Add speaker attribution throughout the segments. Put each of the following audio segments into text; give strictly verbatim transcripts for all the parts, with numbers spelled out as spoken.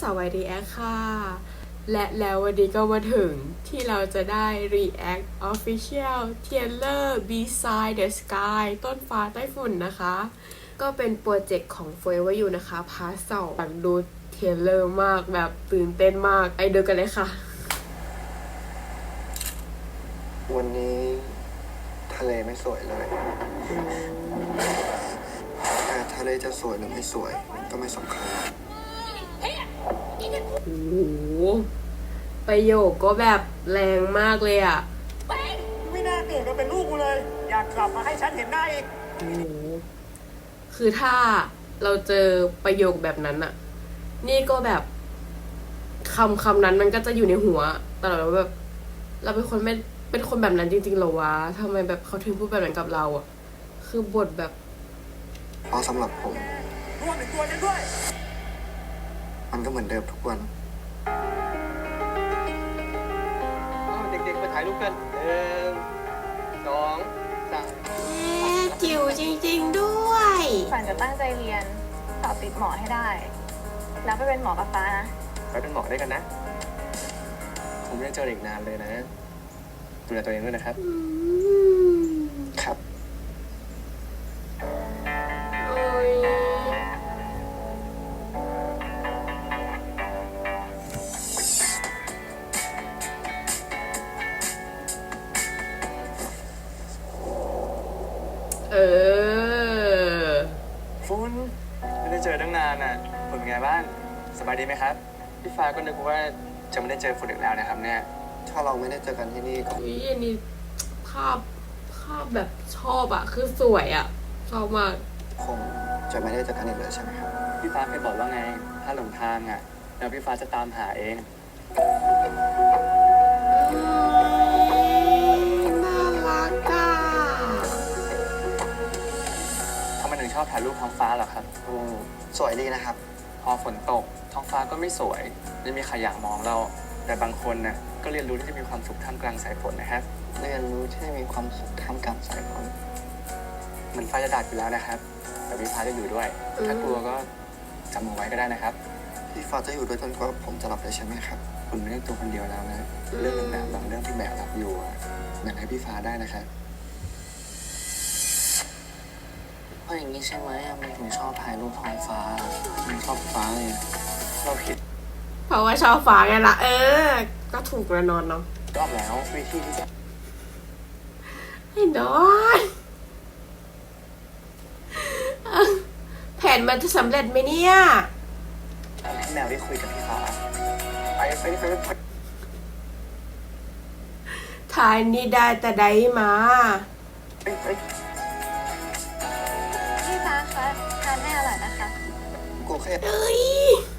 Speaker 1: าววาย React ค่ะและแล้ววันนี้ก็มาถึงที่เราจะได้ React Official Trailer Beside the Sky ต้นฟ้าใต้ฝุ่นนะคะก็เป็นโปรเจกต์ของ Forever You นะคะพาร์ทสองอยากดูเทรลเลอร์มากแบบตื่นเต้นมากไปดูกันเลยค่ะ
Speaker 2: วันนี้ทะเลไม่สวยเลยแต่ทะเลจะสวยหรือไม่สวยก็ไม่สำคัญ
Speaker 1: โอ้โหประโยคก็แบบแรงมากเลยอ่ะ
Speaker 3: ไม่น่าเกิดมาเป็นลูกกูเลยอยากกลับมาให้ฉันเห็นหน้าอีก
Speaker 1: โอ้โหคือถ้าเราเจอประโยคแบบนั้นอะนี่ก็แบบคำคำนั้นมันก็จะอยู่ในหัวตลอดว่าแบบเราเป็นคนไม่เป็นคนแบบนั้นจริงๆหรอวะทำไมแบบเขาถึงพูดแบบนั้นกับเราอะคือบทแบบ
Speaker 2: เพราะสำหรับผม
Speaker 3: รวมถึงตัวฉันด้วย
Speaker 2: มันก็เหมือนเดิมทุกวัน
Speaker 3: เด็กๆมาถ่ายรูปกันหนึ่งสองสาม
Speaker 1: จิ๋วจริงๆด้วย
Speaker 4: ฝันจะตั้งใจเรียนสอบติดหมอให้ได้แล้วไปเป็นหมอกับฟ้านะ
Speaker 3: ไปเป็นหมอได้กันนะคงไม่ได้เจออีกนานเลยนะดูแลตัวเองด้วยนะครับ
Speaker 2: ครับ
Speaker 1: เออ
Speaker 3: ฟุ้นไม่ได้เจอตั้งนานน่ะฝุ่นไงบ้างสบายดีไหมครับพี่ฟ้าก็นึกว่าจะไม่ได้เจอฝุ่นอีกแล้วนะครับเนี่ย
Speaker 2: ถ้าเราไม่ได้เจอกันที่นี่ก็
Speaker 1: อุ้ยอันนี้ภาพภาพแบบชอบอะคือสวยอะชอบมาก
Speaker 2: คงจะไม่ได้เจอกันอีกเลยใช่ไหมครับ
Speaker 3: พี่ฟ้าเคยบอกว่าไงถ้าหลงทางอะแล้วพี่ฟ้าจะตามหาเอง
Speaker 1: น่ารักอะ
Speaker 3: ทำไมถึงชอบถ่ายรูปท้องฟ้าเหรอครับ
Speaker 2: อืมสวยดีนะครับ
Speaker 3: พอฝนตกท้องฟ้าก็ไม่สวยไม่มีใครอยากมองเราแต่บางคนน่ะก็เรียนรู้ที่จะมีความสุขท่ามกลางสายฝนนะครับ
Speaker 2: เรียนรู้ที่จะมีความสุขท่ามกลางสายฝน
Speaker 3: เหมือนฟ้าจะดับอยู่แล้วนะครับแต่พี่ฟ้าจะอยู่ด้วยถ้ากลัวก็จำเอาไว้ก็ได้นะครับ
Speaker 2: พี่ฟ้าจะอยู่ด้วยจนกว่าผมจะหลับเลยใช่ไหมครับ
Speaker 3: คุณไม่ได้ตัวคนเดียวแล้วนะเรื่องหนักๆบางเรื่องที่แบกรับอยู่แบ่งให้พี่ฟ้าได้นะครับ
Speaker 2: เพราะอย่างนี้ใช่ไหมมันถึงชอบถ่ายรูปท้องฟ้ามันชอบฟ้าเลย
Speaker 3: เราผิด
Speaker 1: เพราะว่าชอบฟ้าไงล่ะเออก็ถูกแน่นอนเนาะ
Speaker 3: รอบแล้ววิธีที่จะ
Speaker 1: ให้นอนแผนมันจะสำเร็จไหมเนี่ย
Speaker 3: พี่แมวได้คุยกับพี่ฟ้าไปไปไปไป
Speaker 1: ทายนี่ได้แต่ได้มา
Speaker 4: พี่ฟ้าคะทานให้อร่อยนะคะ
Speaker 2: โอเค
Speaker 1: เอ้ย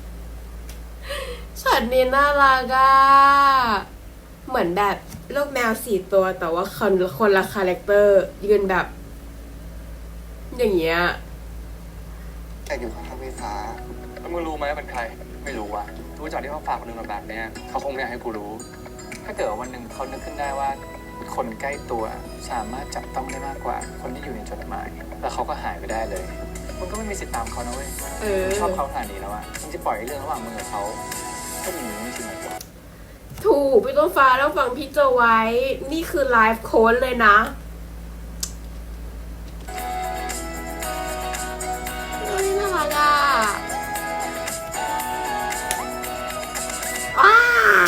Speaker 1: ช็อตนี้น่ารักอ่ะเหมือนแบบลูกแมวสี่ตัวแต่ว่าคนคนละคาแรคเตอร์ยืนแบบอย่างเงี้ย
Speaker 2: แต่อยู่ข้างพี่ฟ้า
Speaker 3: แล้วมึงรู้ไหมว่าเป็นใครไม่รู้ว่ะรู้จักที่เขาฝากคนนึงมาแบบเนี้ยเขาคงไม่อยากให้กูรู้ถ้าเกิดวันหนึ่งเขานึกขึ้นได้ว่าคนใกล้ตัวสามารถจับต้องได้มากกว่าคนที่อยู่ในจดหมายแล้วเขาก็หายไปได้เลยมึงก็ไม่มีสิทธิ์ตามเขานะเว้ยมึงชอบเขาขนาดนี้แล้วอ่ะมึงจะปล่อยเรื่องระหว่างมึงกับเขาก็มีไม่จริงหรอก
Speaker 1: ถูกพี่ต้นฟ้าแล้วฟังพี่โจไว้นี่คือไลฟ์โค้ดเลยนะเฮ้ยน่ารักอ่ะอ้า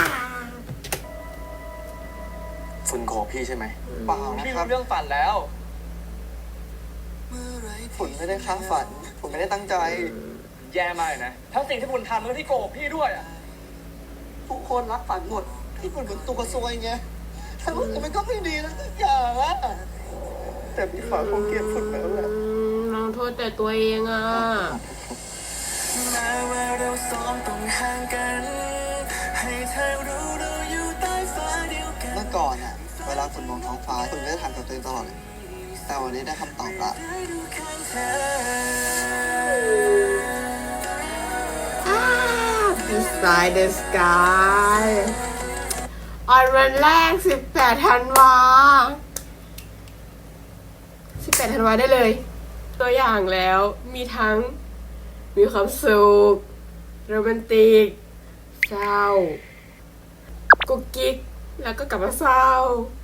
Speaker 3: ฝุ่นโกบพี่ใช่ไหม
Speaker 2: เปล่านะครับ
Speaker 3: เรื่องฝันแล้ว
Speaker 2: ฝุ่นไม่ได้ค้าฝันฝุ่นไม่ได้ตั้งใจ
Speaker 3: แย่มากนะทั้งสิ่งที่ฝุ่นทำแล้วที่โกบพี่ด้วยอ่ะ
Speaker 2: ทุกคนรักฝันหมดที่ฝุ่นเป็นตัวซวยไงแต่ว่ามันก็ไม่ดีนะทุกอย่างอะแต่พี่ฟ้าคงเกลียดฝุ่นแล้วแหละ
Speaker 1: น้องโทษแต่ตัวเองอ่ะ
Speaker 2: แม้ว่าเราสองต้องห่างกันให้เธอรู้เราอยู่ใต้ฟ้าเดียวกันเมื่อก่อนอะเวลาฝุ่นมองท้องฟ้าฝุ่นก็จะถามกับตัวเองตลอดเลยแต่วันนี้ได้คำตอบละ
Speaker 1: Beside the Sky ออนวันแรกสิบแปดธันวาสิบแปดธันวาได้เลยตัวอย่างแล้วมีทั้งมีความสุขโรแมนติกเศร้ากุ๊กกิ๊กแล้วก็กลับมาเศร้า